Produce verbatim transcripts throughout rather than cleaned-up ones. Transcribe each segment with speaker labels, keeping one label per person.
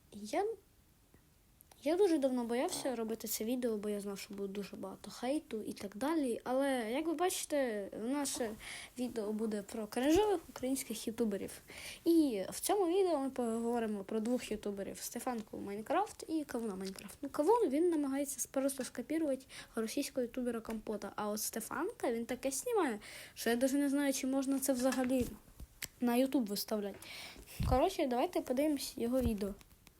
Speaker 1: Я я дуже давно боявся робити це відео, бо я знав, що буде дуже багато хейту і так далі. Але, як ви бачите, наше відео буде про кринжових українських ютуберів. І в цьому відео ми поговоримо про двох ютуберів: Стефанку Майнкрафт і Кавуна Майнкрафт. Ну, Кавун, він намагається просто скопірувати російського ютубера Компота. А от Стефанка, він таке знімає, що я навіть не знаю, чи можна це взагалі на ютуб виставляти. Коротше, давайте подивимось його відео.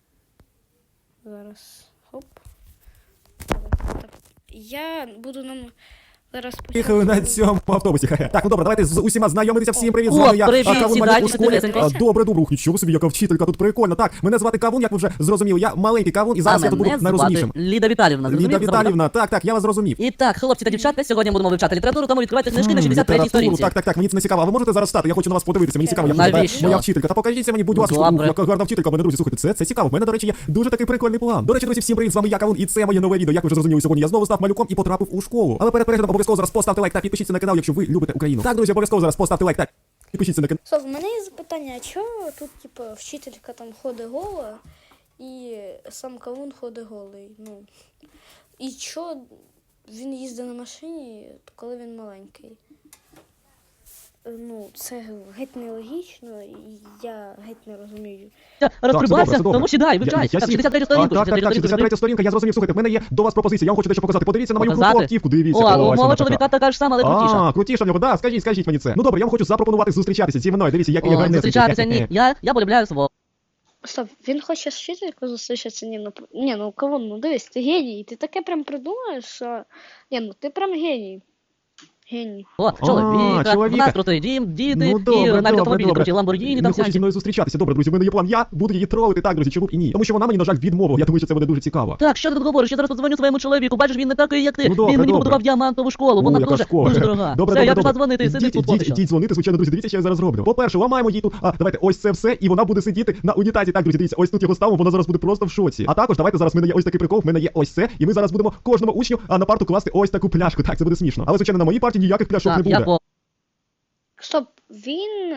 Speaker 1: Зараз, хоп. Так. Я буду нам зараз
Speaker 2: Їхали на цьому автобусі. Так, ну добре, давайте з усіма знайомитися. Всім привіт, з
Speaker 3: О,
Speaker 2: вами я,
Speaker 3: привіт,
Speaker 2: Кавун
Speaker 3: сідайте,
Speaker 2: Малюк у школі.
Speaker 3: сідайте.
Speaker 2: А, Добре, добре, ух, нічого собі, яка вчителька, тут прикольно. Так, мене звати Кавун, як ви вже зрозуміли, я маленький Кавун, і зараз
Speaker 3: А
Speaker 2: я тут буду
Speaker 3: мене
Speaker 2: найрозумнішим.
Speaker 3: звати Ліда Віталівна.
Speaker 2: Ліда
Speaker 3: зрозумів?
Speaker 2: Віталівна, так, так, я вас зрозумів.
Speaker 3: І так, хлопці та дівчатка, сьогодні будемо вивчати літературу, тому відкривайте книжки на шістдесят третій
Speaker 2: Літературу,
Speaker 3: сторінці.
Speaker 2: так, так, так, мені це не цікаво. А ви можете зараз стати? Я хочу на вас подивитися, мені цікаво, як виглядає
Speaker 3: Навіщо?
Speaker 2: моя вчителька. Та покажіться мені, будь ласка,
Speaker 3: Добре.
Speaker 2: ух, яка гарна вчителька, мене, друзі, слухайте, це, це цікаво. У мене, до речі, є дуже такий прикольний план. До речі, друзі, всім привіт, з вами я, Кавун, і це моє нове відео. Як ви вже зрозуміли, сьогодні я знову став малюком і потрапив у школу. Але перед переглядом обов'язково зараз поставте лайк та підпишіться на канал, якщо ви любите Україну. Так, друзі, обов'язково зараз поставте лайк та підпишіться на канал.
Speaker 1: Стоп, в мене є запитання, а чого тут, типу, вчителька там ходить гола, і сам Кавун ходить голий? Ну, і чого він їздить на машині, коли він маленький? Ну, це геть нелогічно, і я геть не розумію.
Speaker 3: Розтрубався,
Speaker 2: добре.
Speaker 3: тому сідай,
Speaker 2: Я-
Speaker 3: вивчай.
Speaker 2: я
Speaker 3: Так,
Speaker 2: сів.
Speaker 3: шістдесят третя
Speaker 2: А,
Speaker 3: сторінку.
Speaker 2: так, так, так, шістдесят третя сторінка, я зрозумів. Слухайте, в мене є до вас пропозиція, я вам хочу дещо показати. Подивіться на мою круту
Speaker 3: Показати?
Speaker 2: автівку, дивіться.
Speaker 3: О,
Speaker 2: Ось
Speaker 3: у
Speaker 2: вона
Speaker 3: мого
Speaker 2: така.
Speaker 3: чоловіка така ж сама, але крутіша.
Speaker 2: А, крутіша в нього, да, скажіть, скажіть мені це. Ну добре, я вам хочу запропонувати зустрічатися зі мною. Дивіться, як я
Speaker 3: О,
Speaker 2: гарнесенький.
Speaker 3: зустрічатися, ні. Я, я полюбляю свого.
Speaker 1: Стоп, він хоче з вчителькою зустрічатися? Ні, ну, ні, ну, Кавун, ну дивись, ти геній, ти таке прям придумаєш, що... Ні, ну, ти прям геній. Геній.
Speaker 3: О, чоловіка, у
Speaker 2: чоловіка.
Speaker 3: нас крутий дім, діти,
Speaker 2: Ну
Speaker 3: і
Speaker 2: добре,
Speaker 3: навіть
Speaker 2: добре,
Speaker 3: автомобілі
Speaker 2: добре.
Speaker 3: круті, Ламборгіні,
Speaker 2: Не
Speaker 3: там
Speaker 2: хоче зі
Speaker 3: всякі.
Speaker 2: мною зустрічатися. Добре, друзі, в мене є план. Я буду її тролити, так, друзі, чому б і ні? Тому що вона мені, на жаль, відмовила. Я думаю, що це буде дуже цікаво.
Speaker 3: Так, що ти тут говориш? Я зараз подзвоню своєму чоловіку. Бачиш, він не такий, як ти.
Speaker 2: Ну, добре,
Speaker 3: Він мені
Speaker 2: добре.
Speaker 3: побудував діамантову школу.
Speaker 2: О,
Speaker 3: Вона
Speaker 2: яка
Speaker 3: дуже,
Speaker 2: школа.
Speaker 3: дуже дорога.
Speaker 2: Добре,
Speaker 3: Все,
Speaker 2: добре,
Speaker 3: я
Speaker 2: добре.
Speaker 3: пішла дзвонити, сиди
Speaker 2: Ідіть,
Speaker 3: тут
Speaker 2: ідіть,
Speaker 3: поки що.
Speaker 2: ідіть дзвонити, звичайно, друзі, дивіться, що я зараз роблю. По-перше, ламаємо їй тут, а, давайте, ось це все, і вона буде сидіти на унітазі. Так, друзі, дивіться, ось тут його ставимо, вона зараз буде просто в шоці. А також, давайте зараз, в мене є ось такий прикол, в мене є ось це, і ми зараз будемо кожному учню а, на парту класти ось таку пляшку. Так, це буде смішно. Але, звичайно, на моїй парті ніяких пляшок не
Speaker 3: Так, я
Speaker 2: буде.
Speaker 3: по...
Speaker 1: Стоп, він,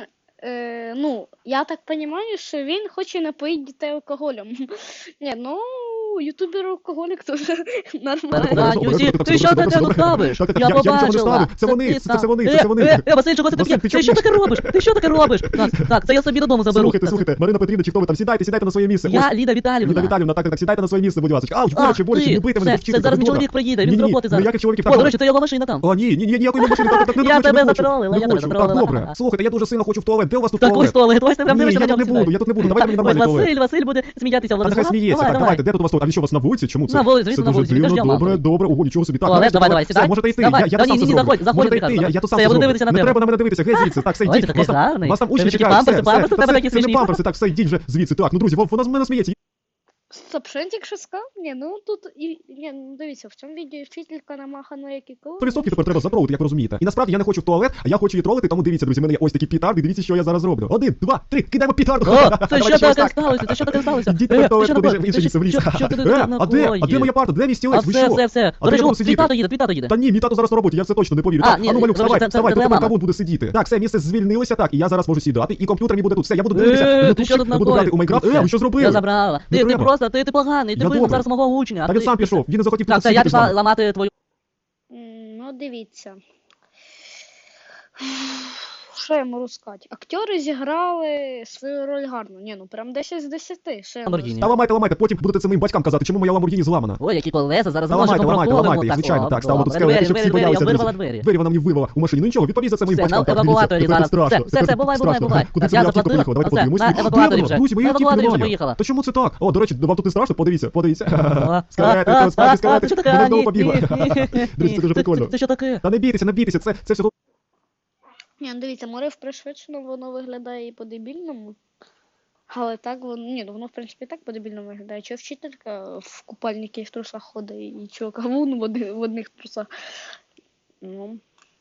Speaker 1: е, ну, я так розумію, що він хоче напоїти дітей алкоголем. Ні, ну, ютубер-алкоголік теж нормально.
Speaker 3: Так,
Speaker 2: добре,
Speaker 3: Юсі,
Speaker 2: добре,
Speaker 3: ти що
Speaker 2: добре,
Speaker 3: таке
Speaker 2: добре.
Speaker 3: тут ставиш?
Speaker 2: Так, так,
Speaker 3: Я
Speaker 2: я- я нічого не
Speaker 3: побачила.
Speaker 2: ставив. Це вони,
Speaker 3: ти
Speaker 2: це- це
Speaker 3: сам.
Speaker 2: вони,
Speaker 3: Е,
Speaker 2: це вони.
Speaker 3: Е, е, Васильчику, це
Speaker 2: Василь,
Speaker 3: таке?
Speaker 2: ти
Speaker 3: Ти що
Speaker 2: чого-
Speaker 3: таке робиш? Ти що таке робиш? Так, так, це я собі додому заберу.
Speaker 2: Слухайте,
Speaker 3: Так,
Speaker 2: слухайте, Марина Петрівна, чи хто ви там, сідайте, сідайте на своє місце.
Speaker 3: Я
Speaker 2: Ось,
Speaker 3: Ліда Віталівна.
Speaker 2: Ліда Віталівна, так, так, так, сідайте на своє місце, будь ласка. Ау,
Speaker 3: Ах,
Speaker 2: боляче, боляче,
Speaker 3: ти,
Speaker 2: не бийте мене,
Speaker 3: все,
Speaker 2: вчителька,
Speaker 3: це зараз
Speaker 2: будь
Speaker 3: мій
Speaker 2: ласка.
Speaker 3: чоловік приїде, він
Speaker 2: Ні,
Speaker 3: з
Speaker 2: ні,
Speaker 3: роботи зараз.
Speaker 2: ніяких чоловіків,
Speaker 3: О,
Speaker 2: так,
Speaker 3: до речі, це його машина там.
Speaker 2: О, ні, ні, ні, ніякої машини, так, так, не
Speaker 3: Я
Speaker 2: хочу,
Speaker 3: тебе
Speaker 2: не хочу.
Speaker 3: затролила,
Speaker 2: Не
Speaker 3: я тебе
Speaker 2: хочу, так,
Speaker 3: затролила.
Speaker 2: добре. Слухайте, я дуже сильно хочу в туалет. Де у вас тут
Speaker 3: Так, ось
Speaker 2: туалет?
Speaker 3: туалет, ось ти прям
Speaker 2: Ні,
Speaker 3: дивишся
Speaker 2: я
Speaker 3: на
Speaker 2: тут не
Speaker 3: нього.
Speaker 2: буду, я тут не буду, давайте мені
Speaker 3: Ось
Speaker 2: нормальний туалет.
Speaker 3: Василь, Василь буде сміятися.
Speaker 2: А нехай сміється, так, давайте, де тут у вас туалет? А він що, у вас на вулиці? Чому це?
Speaker 3: На вулиці,
Speaker 2: Це
Speaker 3: звісно, на
Speaker 2: дуже
Speaker 3: вулиці,
Speaker 2: дивно,
Speaker 3: він ж
Speaker 2: добре,
Speaker 3: діамантовий.
Speaker 2: добре, ого, нічого собі. Так,
Speaker 3: Туалет,
Speaker 2: нарешті
Speaker 3: давай,
Speaker 2: туалет.
Speaker 3: давай,
Speaker 2: Все,
Speaker 3: сідай.
Speaker 2: можете йти,
Speaker 3: Давай.
Speaker 2: я, я
Speaker 3: Та
Speaker 2: то сам
Speaker 3: ні,
Speaker 2: це
Speaker 3: ні,
Speaker 2: зроблю.
Speaker 3: заходь, заходь,
Speaker 2: Можете
Speaker 3: Віталій.
Speaker 2: йти, я, я то сам
Speaker 3: Все,
Speaker 2: це
Speaker 3: я буду
Speaker 2: зроблю.
Speaker 3: дивитися на
Speaker 2: Не
Speaker 3: тебе.
Speaker 2: треба на мене дивитися, геть звідси, так, все,
Speaker 3: Ой,
Speaker 2: йдіть.
Speaker 3: ти
Speaker 2: Вас
Speaker 3: такий
Speaker 2: там-
Speaker 3: гарний.
Speaker 2: Вас там
Speaker 3: Тебе
Speaker 2: учні
Speaker 3: такі
Speaker 2: чекають,
Speaker 3: памперси,
Speaker 2: все,
Speaker 3: памперси,
Speaker 2: все,
Speaker 3: тебе
Speaker 2: це-
Speaker 3: такі
Speaker 2: це не
Speaker 3: смішні.
Speaker 2: памперси, так, все, йдіть вже звідси. Так, ну, друзі, вона з мене сміється.
Speaker 1: Стоп, що він тільки що сказав? Ні, ну тут, і, ні, ну дивіться, в цьому відео вчителька намахана, як і коли.
Speaker 2: сто відсотків тепер треба запроводити, як ви розумієте. І насправді я не хочу в туалет, а я хочу її тролити, тому дивіться, друзі, в мене є ось такі пітарди, дивіться, що я зараз роблю. Один, два, три, кидаємо пітарду.
Speaker 3: О, це
Speaker 2: Давайте
Speaker 3: що
Speaker 2: щось
Speaker 3: таке
Speaker 2: так.
Speaker 3: сталося? Це що таке сталося?
Speaker 2: Ідіть
Speaker 3: Е,
Speaker 2: тепер в туалет,
Speaker 3: ти що
Speaker 2: куди ж
Speaker 3: такое?
Speaker 2: в інше
Speaker 3: Ти
Speaker 2: місце в ліс.
Speaker 3: що- Що ти тут
Speaker 2: Е, А де? А де
Speaker 3: накоїв?
Speaker 2: моя парта? Де мій
Speaker 3: А
Speaker 2: стілець? Ви
Speaker 3: все,
Speaker 2: що?
Speaker 3: все, все.
Speaker 2: А
Speaker 3: До
Speaker 2: де
Speaker 3: речі,
Speaker 2: я буду
Speaker 3: твій
Speaker 2: сидіти?
Speaker 3: тато їде, твій тато їде.
Speaker 2: Та ні, мій тато зараз на роботі, я в це точно не повірю.
Speaker 3: А,
Speaker 2: Так,
Speaker 3: ні,
Speaker 2: а ну, малюк,
Speaker 3: коротше,
Speaker 2: вставай,
Speaker 3: це- це-
Speaker 2: вставай,
Speaker 3: це
Speaker 2: тут
Speaker 3: твоя
Speaker 2: кавун
Speaker 3: мама.
Speaker 2: буде сидіти. Так, все, місце звільнилося, так, і я зараз можу сідати, і комп'ютер мій буде тут. Все, я буду
Speaker 3: Е,
Speaker 2: дивитися,
Speaker 3: ти що
Speaker 2: ютубчик,
Speaker 3: тут
Speaker 2: буду грати у Майнкрафт. Е, ви що зробили?
Speaker 3: Я забрала.
Speaker 2: Не
Speaker 3: Ти, ти
Speaker 2: треба.
Speaker 3: просто, ти, ти поганий, ти
Speaker 2: Я
Speaker 3: вигнав
Speaker 2: добре.
Speaker 3: зараз мого учня.
Speaker 2: Та
Speaker 3: ти-
Speaker 2: він сам
Speaker 3: ти-
Speaker 2: пішов, він не захотів
Speaker 3: Так,
Speaker 2: тут
Speaker 3: це я
Speaker 2: сидіти з
Speaker 3: пішла
Speaker 2: нами.
Speaker 3: ламати твою...
Speaker 1: М, Ну, дивіться. Що я можу сказати? Актери зіграли свою роль гарно. Ні, ну прям десять з десяти. Що я можу
Speaker 3: Lamborghini.
Speaker 2: Та ламайте, ламайте, потім будете це моїм батькам казати, чому моя Ламборгіні зламана.
Speaker 3: Ой, які колеса, зараз
Speaker 2: Та
Speaker 3: ножиком
Speaker 2: ламайте, ламайте,
Speaker 3: проколимо.
Speaker 2: ламайте їх, звичайно, так, ставимо тут
Speaker 3: добре.
Speaker 2: скелети,
Speaker 3: Двері,
Speaker 2: щоб всі
Speaker 3: двері,
Speaker 2: боялися,
Speaker 3: я вирвала
Speaker 2: друзі.
Speaker 3: двері.
Speaker 2: Двері вона мені вивела у машині. Ну нічого, відповість за це моїм
Speaker 3: Все,
Speaker 2: батькам.
Speaker 3: на
Speaker 2: Так, дивіться,
Speaker 3: евакуаторі
Speaker 2: тепер
Speaker 3: зараз.
Speaker 2: страшно,
Speaker 3: Все, все,
Speaker 2: тепер
Speaker 3: все, бувай, бувай,
Speaker 2: страшно.
Speaker 3: бувай.
Speaker 2: Куди
Speaker 3: Так,
Speaker 2: це
Speaker 3: я
Speaker 2: моя автівка
Speaker 3: заплатила.
Speaker 2: поїхала? Давайте
Speaker 3: Оце,
Speaker 2: подивимось.
Speaker 3: на
Speaker 2: Ні,
Speaker 3: евакуаторі
Speaker 2: де
Speaker 3: вже.
Speaker 2: вона? Друзі, мої
Speaker 3: На
Speaker 2: автівки
Speaker 3: евакуаторі вже
Speaker 2: немає.
Speaker 3: поїхала.
Speaker 2: Та чому це так? О, до речі, вам тут не страшно? Подивіться, подивіться.
Speaker 3: А,
Speaker 2: Скелети,
Speaker 3: а,
Speaker 2: то справді
Speaker 3: а,
Speaker 2: скелети.
Speaker 3: ти що таке?
Speaker 2: Вона
Speaker 3: А,
Speaker 2: знову
Speaker 3: ні,
Speaker 2: побігла.
Speaker 3: ні, ні,
Speaker 2: Друзі, це дуже
Speaker 3: ні.
Speaker 2: прикольно.
Speaker 3: Це що таке?
Speaker 2: Та не бійтеся, не бійтеся, це, це все тут.
Speaker 1: Ні, ну дивіться, море в пришвидшено, воно виглядає і по-дебільному. Але так воно, ні, ну воно в принципі так по-дебільному виглядає. Чого вчителька в купальнику і в трусах ходить, і чого кавун в, оди- в одних трусах. Ну,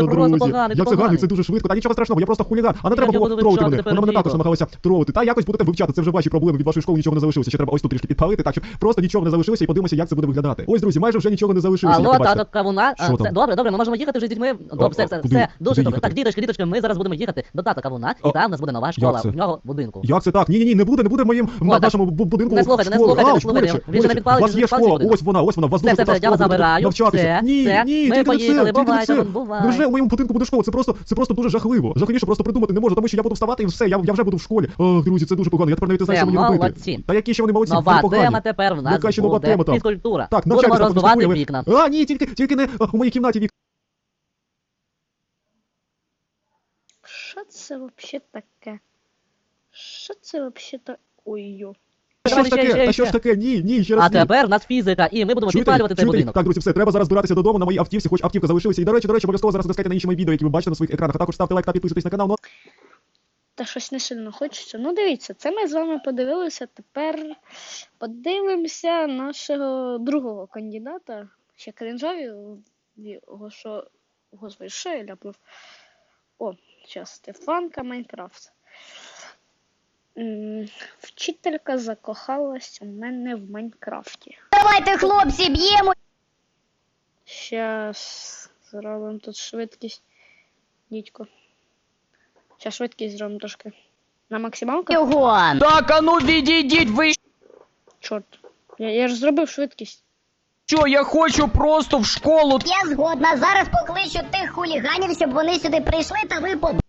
Speaker 3: ти просто
Speaker 2: друзі.
Speaker 3: поганий, ти
Speaker 2: Як це гарно,
Speaker 3: поганий.
Speaker 2: це дуже швидко. Та нічого страшного, я просто хуліган. А не
Speaker 3: Я
Speaker 2: треба
Speaker 3: тебе
Speaker 2: було
Speaker 3: буду
Speaker 2: тролити
Speaker 3: вивчати
Speaker 2: мене.
Speaker 3: тепер
Speaker 2: Вона мене також
Speaker 3: дійсно.
Speaker 2: намагалася тролити. Та якось будете вивчати, це вже ваші проблеми. Від вашої школи нічого не залишилося. Ще треба ось тут трішки підпалити, так щоб просто нічого не залишилося і подивимося, як це буде виглядати. Ось, друзі, майже вже нічого не залишилося. як
Speaker 3: Алло,
Speaker 2: ви бачите.
Speaker 3: тато Кавуна. А,
Speaker 2: Що
Speaker 3: це,
Speaker 2: там?
Speaker 3: добре, добре, ми можемо їхати вже з дітьми. Добре, все, все,
Speaker 2: куди?
Speaker 3: все, дуже
Speaker 2: Куди
Speaker 3: добре.
Speaker 2: їхати?
Speaker 3: Так, діточки, діточки, ми зараз будемо їхати до тата Кавуна, і
Speaker 2: А,
Speaker 3: там у нас буде нова школа,
Speaker 2: це?
Speaker 3: в нього будинку.
Speaker 2: Як це так? Ні, ні, ні, не буде, не буде в моїм в
Speaker 3: так.
Speaker 2: нашому бу- будинку.
Speaker 3: Не
Speaker 2: Ось
Speaker 3: слухайте, не
Speaker 2: Школа.
Speaker 3: слухайте,
Speaker 2: А,
Speaker 3: не
Speaker 2: в школі
Speaker 3: слухайте.
Speaker 2: ще.
Speaker 3: Він же не
Speaker 2: Ось,
Speaker 3: підпалить,
Speaker 2: У вас
Speaker 3: він
Speaker 2: є
Speaker 3: не підпалить
Speaker 2: школа,
Speaker 3: людину.
Speaker 2: ось вона, ось вона, у вас
Speaker 3: Все,
Speaker 2: дуже
Speaker 3: все,
Speaker 2: крута
Speaker 3: все, я вас
Speaker 2: школа, будете
Speaker 3: забираю.
Speaker 2: навчатися.
Speaker 3: Все,
Speaker 2: Ні,
Speaker 3: все.
Speaker 2: ні,
Speaker 3: Ми
Speaker 2: тільки не
Speaker 3: поїхали,
Speaker 2: це, тільки не
Speaker 3: бувайте,
Speaker 2: це.
Speaker 3: бувай.
Speaker 2: Невже у моєму будинку буде школа? Це просто, це просто дуже жахливо. Жахливіше просто придумати не можу, тому що я буду вставати і все, я, я вже буду в школі. Ох, друзі, це дуже погано, я тепер навіть не знаю,
Speaker 3: Все,
Speaker 2: що мені робити.
Speaker 3: молодці.
Speaker 2: Та які ще вони молодці, вони
Speaker 3: Нова
Speaker 2: погані.
Speaker 3: тема тепер в нас
Speaker 2: Яка ще нова
Speaker 3: буде
Speaker 2: тема там?
Speaker 3: фізкультура.
Speaker 2: Так,
Speaker 3: Будемо
Speaker 2: навчайтеся,
Speaker 3: роздувати
Speaker 2: потім
Speaker 3: вікна.
Speaker 2: А, ні, тільки, тільки не а, у моїй кімнаті вікна.
Speaker 1: Що це взагалі таке? Що це взагалі таке? Ой-йо.
Speaker 2: Що
Speaker 3: Давай
Speaker 2: ж
Speaker 3: ще,
Speaker 2: таке?
Speaker 3: ще,
Speaker 2: Та що ж
Speaker 3: ще.
Speaker 2: таке? Ні, ні, ще раз
Speaker 3: А
Speaker 2: ні.
Speaker 3: тепер в нас фізика, і ми будемо
Speaker 2: Чуєте?
Speaker 3: підпалювати цей
Speaker 2: Чуєте?
Speaker 3: будинок.
Speaker 2: Так, друзі, все, треба зараз збиратися додому на моїй автівці, хоч автівка залишилася. І, до речі, до речі, обов'язково зараз натискайте на інші мої відео, які ви бачите на своїх екранах. А також ставте лайк та підписуйтесь на канал. Ну,
Speaker 1: Та щось не сильно хочеться. Ну, дивіться, це ми з вами подивилися. Тепер подивимося нашого другого кандидата. Ще кринжові, його що. Господи, що я ляпнув? О, зараз Стефанка Майнкрафт. М, Вчителька закохалась у мене в Майнкрафті.
Speaker 4: Давайте, хлопці, б'ємо
Speaker 1: Щас зробимо тут швидкість. Дідько. Щас швидкість зробимо трошки. На максималку?
Speaker 4: його.
Speaker 5: Так, а ну відійдіть, ви
Speaker 1: Чорт. Я, я ж зробив швидкість.
Speaker 5: що, я хочу просто в школу.
Speaker 4: Я згодна. Зараз покличу тих хуліганів, щоб вони сюди прийшли та ви побились.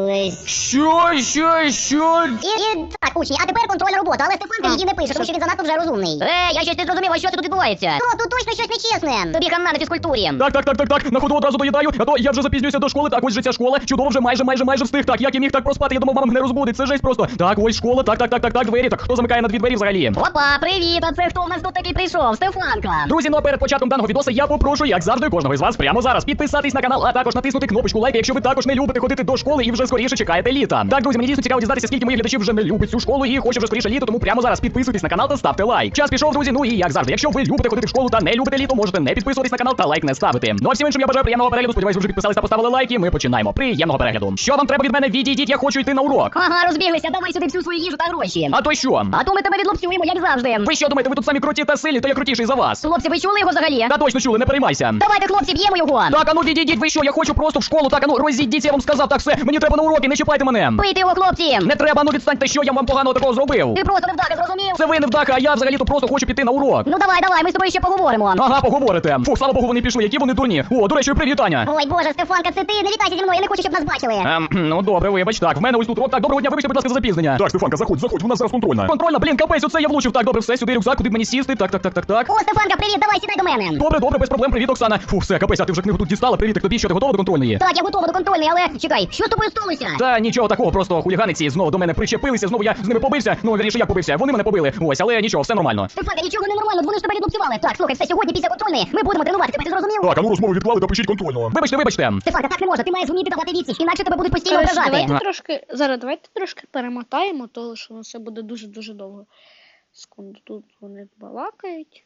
Speaker 5: Що, що, що?
Speaker 4: І, і так, учні, а тепер контрольна робота, але Стефанка її не пише, тому що він занадто вже розумний. Е, я щось не зрозумів, а що це тут відбувається? О, тут точно щось нечесне. Тобі хана на фізкультурі.
Speaker 5: Так, так, так, так, так, на ходу одразу доїдаю, а то я вже запізнююся до школи, так, ось же ця школа, чудово, вже майже, майже, майже встиг, так, як я міг так проспати, я думав, мама мене розбудить, це жесть просто. Так, ось школа, так, так, так, так, так, двері, так, хто замикає на дві двері взагалі?
Speaker 4: Опа, привіт, а це хто у нас тут такий прийшов? Стефанка.
Speaker 5: Друзі, ну а перед початком даного відоса я попрошу, як завжди, кожного із вас прямо зараз підписатись на канал, а також натиснути кнопочку лайк, якщо ви також не любите ходити до школи і вже скоріше чекаєте літа. Так, друзі, мені дійсно цікаво дізнатися, скільки моїх глядачів вже не любить цю школу і хоче вже скоріше літо, тому прямо зараз підписуйтесь на канал та ставте лайк. Час пішов, друзі, ну і як завжди, якщо ви любите ходити в школу та не любите літо, можете не підписуватись на канал та лайк не ставити. Ну а всім іншим я бажаю приємного перегляду, сподіваюсь, ви вже підписались та поставили лайки, ми починаємо. Приємного перегляду. Що вам треба від мене? Відійдіть, я хочу йти на урок.
Speaker 4: Ага, розбіглися, давай сюди всю свою їжу та гроші.
Speaker 5: А то що?
Speaker 4: А то ми тебе відлупцюємо, як завжди.
Speaker 5: Ви що думаєте, ви тут самі круті та сильні, то я крутіший за вас?
Speaker 4: Хлопці, ви чули його взагалі?
Speaker 5: Та точно чули, не переймайся.
Speaker 4: Давайте, хлопці, б'ємо його.
Speaker 5: Так, а ну відійдіть, ви що, я хочу просто в школу, так, а ну розійдіть, я вам сказав, так все, мені треба на уроки, не чіпайте мене.
Speaker 4: Бийте його, хлопці.
Speaker 5: Не треба, ну відстаньте, що я вам поганого такого зробив.
Speaker 4: Ти просто невдаха, зрозумів?
Speaker 5: Це ви не вдаха, а я взагалі-то просто хочу піти на урок.
Speaker 4: Ну давай, давай, ми з тобою ще поговоримо.
Speaker 5: Ага, поговорите. Фу, слава Богу, вони пішли, які вони дурні. О, до речі, привіт, Аня.
Speaker 4: Ой, боже, Стефанка, це ти, не вітайся зі мною, я не хочу, щоб нас бачили.
Speaker 5: Ем, ну добре, вибач, так, в мене ось тут урок, так, доброго дня, вибачте, будь ласка, за запізнення. Так, Стефанка, заходь, заходь, у нас зараз контрольна. Контрольна, блін, капець, оце я влучив, так, добре, все, сюди рюкзак, куди б мені сісти, так, так, так, так, так.
Speaker 4: О, Стефанка, привіт, давай, сідай до мене.
Speaker 5: Добре, добре, без проблем, привіт, Оксана. Фу, все, капець, а ти вже книгу тут дістала, привіт, тобі, що ти готова до контрольної?
Speaker 4: Так, я готова до контрольної, але чекай, що з тобою сталося?
Speaker 5: Та нічого такого, просто хуліганиці знову до мене причепилися, знову я з ними побився. Ну, вірніше, я побився. Вони мене побили. Ось, але нічого, все нормально.
Speaker 4: Стефанка, нічого не нормально, вони ж тебе відлупцювали. Так, слухай, все, сьогодні після контрольної ми будемо тренувати, тебе ти зрозумів?
Speaker 5: Так, а ну розмови відклали та пишіть контрольно. Вибачте, вибачте.
Speaker 4: Стефанка, так не можна, ти маєш вміти давати відсіч, інакше тебе будуть постійно
Speaker 1: Коротше,
Speaker 4: ображати.
Speaker 1: давайте трошки. Зараз давайте трошки перемотаємо, тому що це буде дуже-дуже довго. Секунду, тут вони балакають.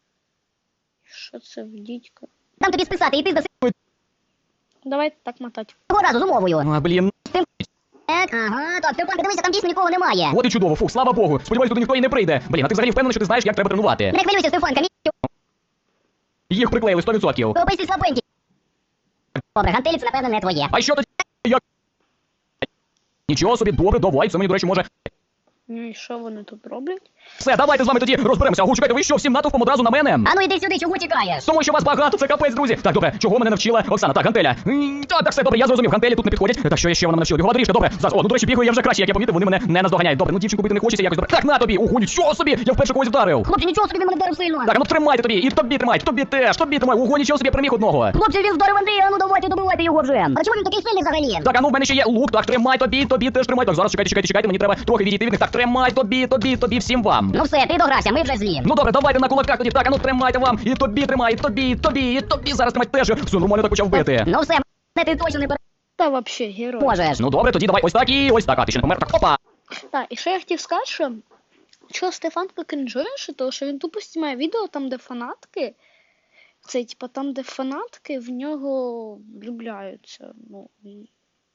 Speaker 1: Що це в дідька?
Speaker 4: Дам тобі списати, і ти здаси
Speaker 1: Давайте так мотати.
Speaker 4: цього разу з умовою.
Speaker 5: А, блін.
Speaker 4: Так, ага, так, Стефанка, дивися, там дійсно нікого немає.
Speaker 5: От і чудово, фу, слава Богу. Сподіваюсь, туди ніхто і не прийде. Блін, а ти взагалі впевнений, що ти знаєш, як треба тренувати?
Speaker 4: Не хвилюйся, Стефанка, мій
Speaker 5: Їх приклеїли сто відсотків.
Speaker 4: описі слабенький. Добре, гантелі це, напевно, не твоє.
Speaker 5: А що тоді? Як? Нічого собі, добре, давай, це мені, до речі, може.
Speaker 1: Ну і що вони тут роблять?
Speaker 5: Все, давайте з вами тоді розберемося. Ого, чекайте, ви що, всім натовпом одразу на мене?
Speaker 4: А ну іди сюди, чого тікаєш?
Speaker 5: Тому що вас багато, це капець, друзі. Так, добре, чого мене навчила Оксана? Так, гантеля. М, Так, так, все, добре, я зрозумів, гантелі тут не підходять. Так, що ще вона мене навчила? Бігова доріжка, добре. Зараз, о, ну, до речі, бігаю я вже краще, як я помітив, вони мене не наздоганяють. Добре, ну дівчинку бити не хочеться, якось добре. Так, на тобі, ого, нічого собі, я вперше когось вдарив.
Speaker 4: Хлопці, нічого собі, він мене вдарив сильно.
Speaker 5: Так, ну тримайте тобі, і тобі тримай, тобі теж, тобі тримай, ого, нічого собі, я переміг одного.
Speaker 4: Хлопці, він вдарив Андрія, а ну давайте, добивайте його вже. А чому він такий сильний взагалі?
Speaker 5: Так, а ну в мене ще є лук, так, тримай тобі, тобі теж тримай. Так, зараз чекайте, чекайте, чекайте, мені треба трохи відійти від них. Так, тримай тобі, тобі, тобі, всім вам.
Speaker 4: Ну все, ти догрався, ми вже злі.
Speaker 5: Ну добре, давайте на кулаках тоді. Так, а ну тримайте вам, і тобі тримай, і тобі, і тобі, і тобі зараз тримай теж. Все, нормально так почав бити.
Speaker 4: Ну все, мене ти точно не
Speaker 1: Та вообще герой.
Speaker 4: переможеш.
Speaker 5: Ну добре, тоді давай ось так і ось так. А ти ще не помер. Так, опа.
Speaker 1: Так, і що я хотів сказати, що чого Стефанка крінжуєш, тому що він тупо знімає відео там, де фанатки. Це типа там, де фанатки в нього влюбляються. Ну, і...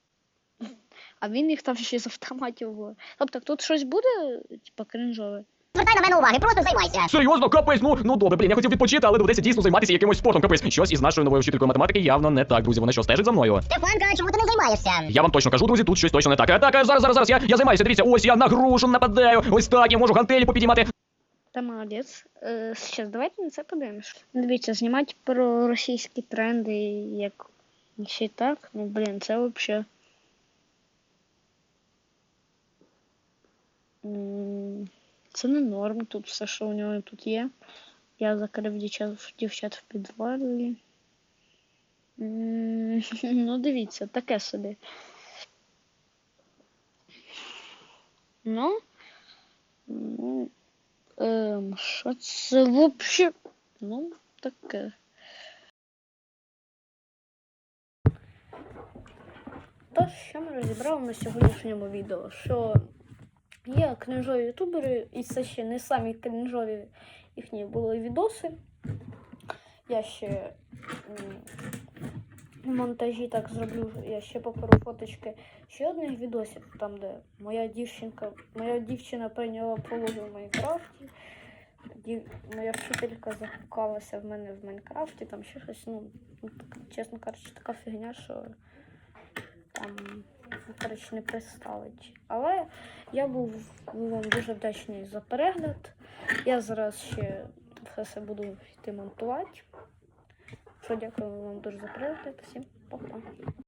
Speaker 1: А він їх там ще з автоматів. ловить. Тобто тут щось буде, типа, крінжове.
Speaker 4: Звертай на мене уваги, просто займайся.
Speaker 5: Серйозно, капець, ну, ну добре, блін, я хотів відпочити, але доведеться дійсно займатися якимось спортом. Капець, щось із нашою новою вчителькою математики явно не так, друзі. Вона що, стежить за мною?
Speaker 4: Стефанка, чому ти не займаєшся?
Speaker 5: Я вам точно кажу, друзі, тут щось точно не так. А, так, а, зараз, зараз, зараз, я, я займаюся, дивіться, ось я на грушу нападаю, ось так, я можу гантелі попідіймати.
Speaker 1: Та молодець. Е, Зараз давайте на це подивимось. Дивіться, знімати про російські тренди, як ще й так. Ну, блін, це взагалі. Це не норм, тут все, що у нього тут є. Я закрив дівчат, дівчат в підвалі. М, Ну, дивіться, таке собі. Ну, ну, ем, що це взагалі? Ну, таке. Тож, що ми розібрали на сьогоднішньому відео, що є крінжові ютубери, і це ще не самі крінжові їхні були відоси. Я ще м, в монтажі так зроблю, я ще покажу фоточки ще одних відосів, там де моя дівчинка, моя дівчина прийняла пологи в Майнкрафті. Дів... Моя вчителька закохалася в мене в Майнкрафті, там ще щось, ну, так, чесно кажучи, така фігня, що там, коротше, не представить. Але я був вам дуже вдячний за перегляд. Я зараз ще все це буду йти монтувати. Що, дякую вам дуже за перегляд. Всім па-па.